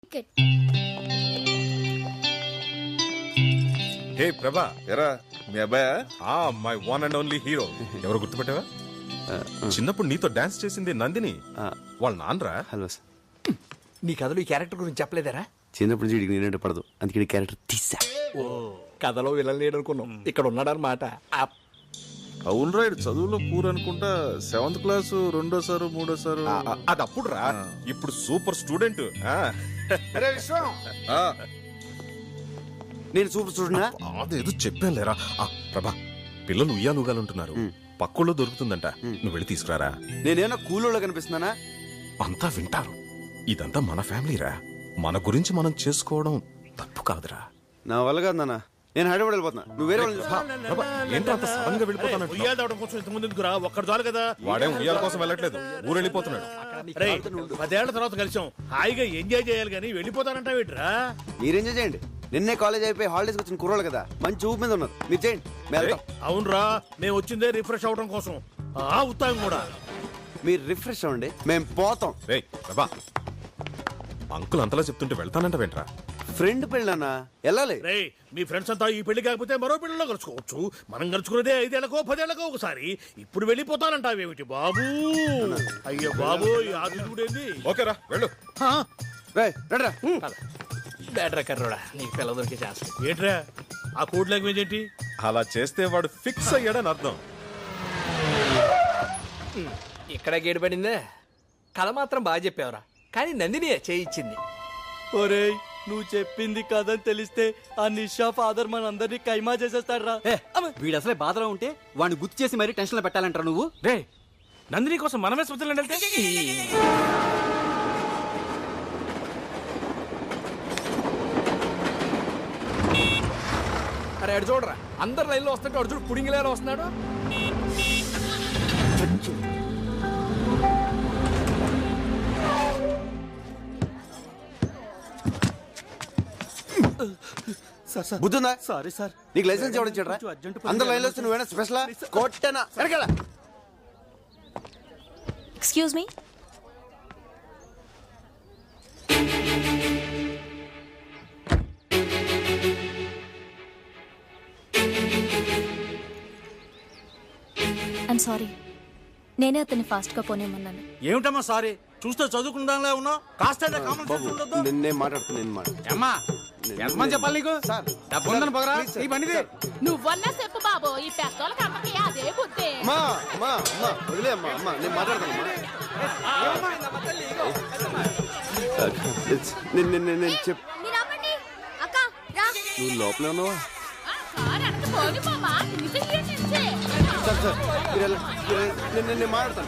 హే ప్రభా, ఎరా మీ అబ్బాయా? My one and only hero. ఎవరు గుర్తుపెట్టావా? చిన్నప్పుడు నీతో డాన్స్ చేసింది నందిని. వాళ్ళ నాన్నరా. Hello sir. నీ కథలో ఈ క్యారెక్టర్ గురించి చెప్పలేదరా? చిన్నప్పటి నుంచి వీడికి నేనంటే పడదు, అందుకే క్యారెక్టర్ తీసా. ఓ కథలో విలన్ లేడు అనుకున్నాం, ఇక్కడ ఉన్నాడనమాట. అవును రా, చదువులో పూర్ అనుకుంటా. 7th class రెండోసారు మూడోసారు. అది అప్పుడు రా, ఇప్పుడు సూపర్ స్టూడెంట్. నేను సూపర్ స్టూడెంట్. అదేదో చెప్పాను లేరా. ప్రభా, పిల్లలు ఉయ్యాలుగాలుంటున్నారు, పక్కుల్లో దొరుకుతుందంట, నువ్వు వెళ్ళి తీసుకురారా. నేనేమన్నా కూలోళ్ళ కనిపిస్తున్నానా? అంతా వింటారు. ఇదంతా మన ఫ్యామిలీరా, మన గురించి మనం చేసుకోవడం తప్పు కాదురా. నా వల్ల కాదు నాన్న, నేను హైదరాబాద్ వెళ్ళిపోతున్నా. నువ్వు వేరే వాళ్ళు ప్రభా, ఏంటో అంత సడన్ గా వెళ్ళిపోతానంట. ఉయ్యాల కోసం ఇంతకుముందు ఎందుకురా? ఒక్కడు చాలు కదా. వాడేం ఉయ్యాల కోసం వెళ్ళట్లేదు, ఊరు వెళ్ళిపోతున్నాడు. 10 ఏళ్ల తర్వాత కలిసాం, హాయిగా ఎంజాయ్ చేయాలి కానీ వెళ్ళిపోతానంటావేట్రా? మీరు ఎంజాయ్ చేయండి. నిన్నే కాలేజ్ అయిపోయి హాలిడేస్ వచ్చిన కుర్రోళ్ళు కదా, మంచి ఊపు మీద ఉన్నారు. మీరు చేయండి, మేము వెళ్తాం. అవునరా, మేము వచ్చిందే రిఫ్రెష్ అవడం కోసం. ఉత్తాం కూడా. మీరు రిఫ్రెష్ అవ్వండి, మేము పోతాం. రేయ్ ప్రభా, అంకుల్ అంతలా చెప్తుంటే వెళ్తానంట వెంట్రా. ఫ్రెండ్ పెళ్ళన్నా వెళ్ళాలి. రే, మీ ఫ్రెండ్స్ అంతా ఈ పెళ్లి కాకపోతే మరో పెళ్లిలో కలుసుకోవచ్చు. మనం కలుసుకునేదే 5 ఏళ్లకో 10 ఏళ్లకో ఒకసారి. ఇప్పుడు వెళ్ళిపోతానంటావేమిటి బాబు? అయ్యో బాబు, ఈ ఆదిత్యుడేంది? ఓకేరా, వెళ్ళు. రేయ్, రండిరా. బేటరా కర్రోడా, నీకు పిల్ల దొరికే ఛాన్స్. ఏంట్రా ఆ కోడ్ లాంగ్వేజ్ ఏంటి? అలా చేస్తే వాడు ఫిక్స్ అయ్యాడని అర్థం. ఇక్కడ గేడు పడిందే. కథ మాత్రం బాగా చెప్పావురా, కానీ నందిని చేయించింది. ఒరేయ్, నువ్వు చెప్పింది కథని తెలిస్తే ఆ నిషా ఫాదర్ మన అందరినీ కైమా చేసేస్తాడు రా. వీడు అసలే బాధలో ఉంటే వాడిని గుర్తు చేసి మరీ టెన్షన్ లో పెట్టాలంటారు నువ్వు. రే, నందిని కోసం మనమే స్విట్జర్లాండ్ వెళ్తే? అరే అడు చూడరా, అందరు లైన్లో వస్తుంటే అడు చూడు పుడింగిలేలో వస్తున్నాడు. బుద్ధుందా? Sorry sir. నీకు లైసెన్స్ ఎవరు ఇచ్చాడ్రా? అందరు లైన్లో వస్తే నువ్వేనా స్పెషలా? కొట్టనా వెనకాల. Excuse me. ఐమ్ సారీ, నేనే అతన్ని ఫాస్ట్ గా పోనేమన్నాను. ఏమిటమ్మా సారీ? చూస్తే చదువుకుందాంలే ఉన్నావు, కాస్త కామన్ సెన్స్ ఉండదు. నేను మాట్లాడుతున్నాను. అమ్మా, ఎంతమంది చెప్పాలి నీకు? సార్, డబ్బు ఉందని పొగరా ఈ బండిది. నువ్వన్నా చెప్పు బాబు, ఈ పెద్దోళ్ళకి అమ్మకి అదే బుద్ధి. అమ్మా అమ్మా అమ్మా వదిలే అమ్మా. అమ్మా నేను మాట్లాడతాను. నేను చెప్పు. నువ్వు లోపలే ఉన్నావా? సార్ సార్ నేను మాట్లాడతాను.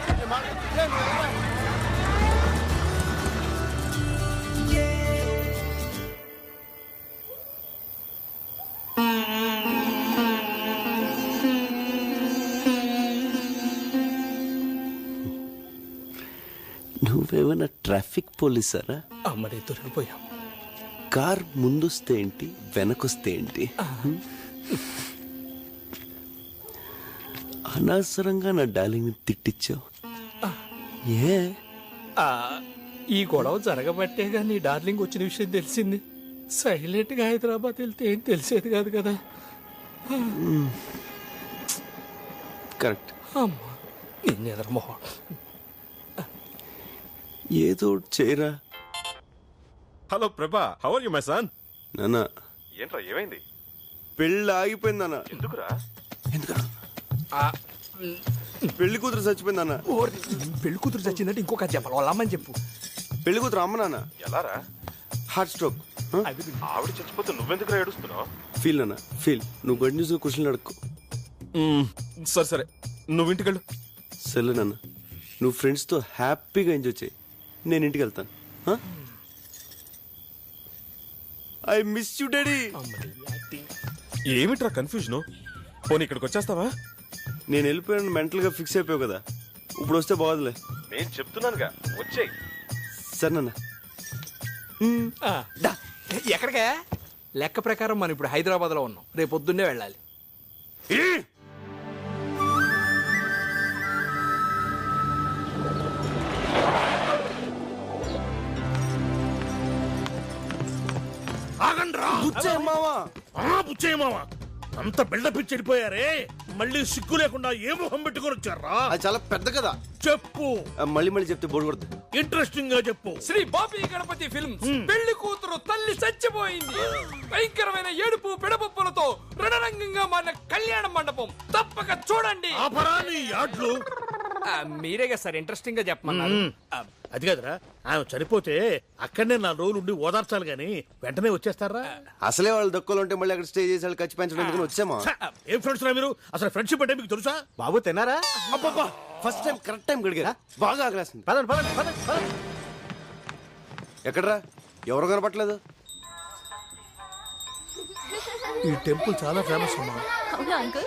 నువ్వేమైనా ట్రాఫిక్ పోలీసారా? అమ్మడే దొరికిపోయాం. కార్ ముందొస్తే ఏంటి, వెనకొస్తే ఏంటి? అనవసరంగా నా డార్లింగ్ ని తిట్టించావు. ఏ ఈ గొడవ జరగబట్టేగా నీ డార్లింగ్ వచ్చిన విషయం తెలిసింది. సైలెంట్ గా హైదరాబాద్ వెళ్తే ఏం తెలిసేది కాదు కదా. కరెక్ట్. అమ్మా, నిన్ను ఎదరమోహం. ఏదో ఒకటి చేయరా. Hello Prabha, how are you my son? నాన్న, ఏంట్రా ఏమైంది? పెళ్ళి ఆగిపోయిందన్న. ఎందుకురా? ఎందుకన్నా? పెళ్లి కూతురు చచ్చిపోయిందన్న. పెళ్లి కూతురు చచ్చిందంటే ఇంకొక చెప్పాలి, వాళ్ళ అమ్మని చెప్పు. పెళ్లి కూతురు అమ్మ నాన్న ఎలారా? Heart stroke. ఆవిడ చచ్చిపోతే నువ్వెందుకురా ఏడుస్తున్నావు? ఫీల్ అన్న ఫీల్. నువ్వు గడ్ న్యూస్ క్వశ్చన్లు అడుక్కో. సరే సరే, నువ్వు ఇంటికెళ్ళు. సరే నాన్న, నువ్వు ఫ్రెండ్స్తో హ్యాపీగా ఎంజాయ్ చేయి. నేను ఇంటికి వెళ్తాను. I miss you daddy. ఏమిట్రా కన్ఫ్యూజన్? పోనీ ఇక్కడికి వచ్చేస్తావా? నేను వెళ్ళిపోయాను, మెంటల్ గా ఫిక్స్ అయిపోయావు కదా, ఇప్పుడు వస్తే బాగోదులే. నేను చెప్తున్నానుగా, వచ్చేయ్. సరే నాన్న. ఎక్కడికే? లెక్క ప్రకారం మనం ఇప్పుడు హైదరాబాద్ లో ఉన్నాం, రేపు పొద్దున్నే వెళ్ళాలి. ఆగండ్రా మావా బుచ్చయ్య మామ అంత బిల్డప్ ఇచ్చి వెళ్ళిపోయారే మళ్ళీ సిగ్గు లేకుండా ఏ మొహం పెట్టుకొని వచ్చారా అది చాలా పెద్ద కదా. చెప్పు మళ్ళీ మళ్ళీ చెప్తే బోర్డు కొడుతుంది. ఇంట్రెస్టింగ్ గా చెప్పు. శ్రీ బాపి గణపతి ఫిల్మ్స్ పెళ్లి కూతురు తల్లి చచ్చిపోయింది. భయంకరమైన ఏడుపు పిడపప్పులతో రణరంగంగా మారిన కళ్యాణ మండపం తప్పక చూడండి. ఆపరా నీ యాడ్లు. మీరేగా సార్ ఇంట్రెస్టింగ్ గా చెప్పమన్నారు. అది కదరా ఆమె చనిపోతే అక్కడనే 4 రోజులు ఉండి ఓదార్చాలి గాని వెంటనే వచ్చేస్తారా? అసలే వాళ్ళు దక్కులు ఉంటే మళ్ళీ అక్కడ స్టే చేసి వాళ్ళు ఖర్చు పెంచడం ఎందుకని వచ్చామా? ఏం ఫ్రెండ్స్ రా మీరు? అసలు ఫ్రెండ్షిప్ అంటే మీకు తెలుసా? బాబు తిన్నారా? అబ్బబ్బా ఫస్ట్ టైం కరెక్ట్ టైం గడిగా బాగా ఆగలేస్తుంది. పదండి పదండి పదండి పదండి. ఎక్కడ్రా ఎవరు కనపట్లేదు? ఈ టెంపుల్ చాలా ఫేమస్ అమ్మా. అవునా అంకుల్?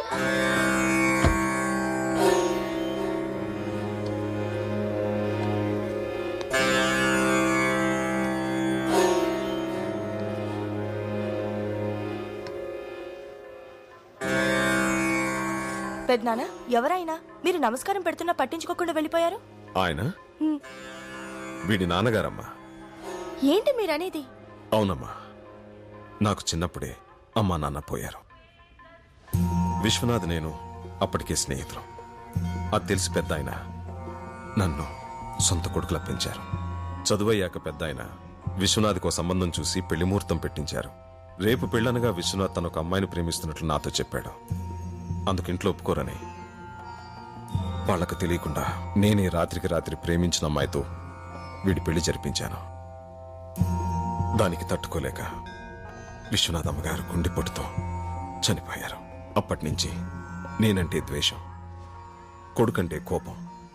పెద్దనాన్న ఎవరైనా మీరు నమస్కారం పెడుతున్నా పట్టించుకోకుండా వెళ్ళిపోయారు. ఆయన వీడి నాన్నగారమ్మా. ఏంటి మీరనేది? అవునమ్మా, నాకు చిన్నప్పుడే అమ్మా నాన్న పోయారు. విశ్వనాథ్ నేను అప్పటికే స్నేహితులు. అది తెలిసి పెద్ద ఆయన నన్ను సొంత కొడుకులా పెంచారు. చదువయ్యాక పెద్ద ఆయన విశ్వనాథ్కో సంబంధం చూసి పెళ్లి ముహూర్తం పెట్టించారు. రేపు పెళ్ళనగా విశ్వనాథ్ తన ఒక అమ్మాయిని ప్రేమిస్తున్నట్లు నాతో చెప్పాడు. అందుకు ఇంట్లో ఒప్పుకోరని వాళ్లకు తెలియకుండా నేనే రాత్రికి రాత్రి ప్రేమించిన అమ్మాయితో వీడి పెళ్లి జరిపించాను. దానికి తట్టుకోలేక విశ్వనాథ్ అమ్మగారు గుండెపోటుతో చనిపోయారు. అప్పటినుంచి నేనంటే ద్వేషం, కొడుకంటే కోపం.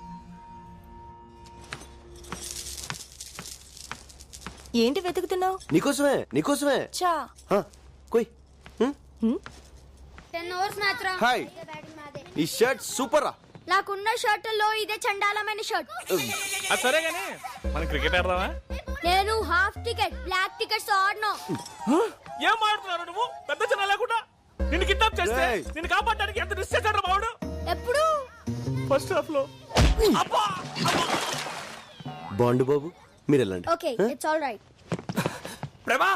ఏంటి వెతుకుతున్నావు? నీకోసమే నీకోసమే. చా కొయ్. 10 అవర్స్ మ్యాచ్ రా. హాయ్, ఈ షర్ట్ సూపర్ రా. నాకున్న షర్టుల్లో ఇదే చండాలమైన షర్ట్. సరే గానీ మనం క్రికెట్ ఆడదామా? నేను హాఫ్ టికెట్ బ్లాక్ టికెట్స్ ఆడను. ఏం ఆడుతున్నారు నువ్వు? పెద్ద చిన్న లేకుండా నిన్ను కిడ్నాప్ చేస్తే నిన్ను కాపాడడానికి ఎంత రిస్క్ చేశాడు మావాడు. ఎప్పుడు? ఫస్ట్ హాఫ్ లో. బాండు బాబు మీరు వెళ్ళండి. Okay it's all right. Prabha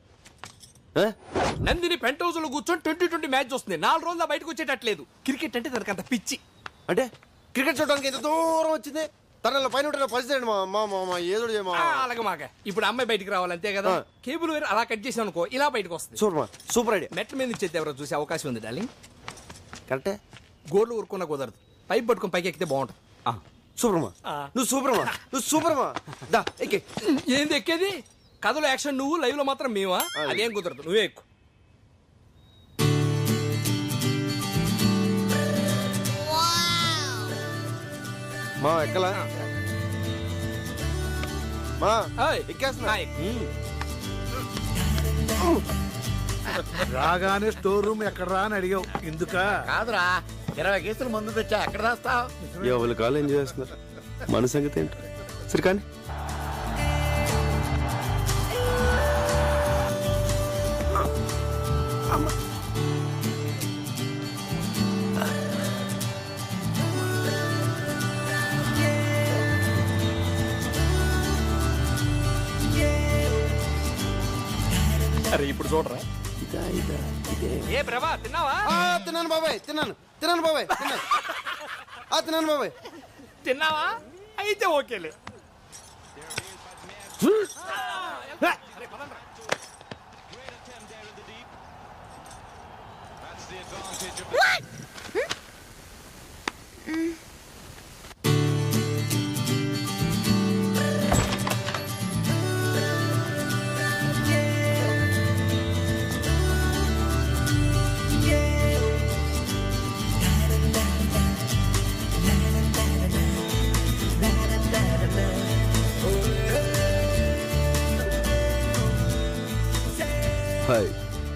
Nandini pent house లో కూర్చొని 2020 మ్యాచ్ వస్తుంది. 4 రోజులు బయటకు వచ్చేటట్లేదు. క్రికెట్ అంటే తనకంత పిచ్చి. అంటే క్రికెట్ చూడడానికి ఎంత దూరం వచ్చింది. తన పైన పరిస్థితి మా ఏదో అలాగే మాక. ఇప్పుడు అమ్మాయి బయటికి రావాలి అంతే కదా. కేబుల్ వేరు అలా కట్ చేసాం అనుకో ఇలా బయటకు వస్తుంది. Super super idea. మెట్ల మీద నుంచి ఎవరో చూసే అవకాశం ఉంది డార్లింగ్. కరెక్టే. గోర్లు ఊరుకున్నా కుదరదు. పైప్ పట్టుకుని పైకి ఎక్కితే బాగుంటుంది. సూపర్మా నువ్వు సూపర్మా నువ్వు సూపర్మా. దా ఎక్కే. ఏంది ఎక్కేది? కథలో యాక్షన్ నువ్వు, లైవ్ లో మాత్రం మేమా? అదేం కుదరదు, నువ్వే ఎక్కు. మా ఎక్కలా మా ఏయ్, ఎక్కేస్తున్నా. రాగానే స్టోర్ రూమ్ ఎక్కడ రా అని అడిగావు. ఎందుక? కాదురా 20 కేసులు మందు తెచ్చా ఎక్కడ రాస్తావు? ఎవరి కాలు ఎంజాయ్ చేస్తున్నారు. మన సంగతి ఏంటి? సరే కానీ అరే ఇప్పుడు చూడరా. ఏ ప్రభా తిన్నావా? తిన్నాను బాబాయ్ తిన్నాను బాబాయ్ తిన్నాను బాబాయ్. తిన్నావా? అయితే ఓకేలే. Hi.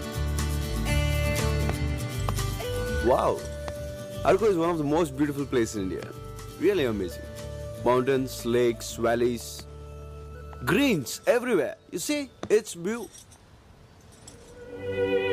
Wow. Arco is one of the most beautiful places in India. Really amazing. Mountains, lakes, valleys, greens everywhere. You see, it's beautiful.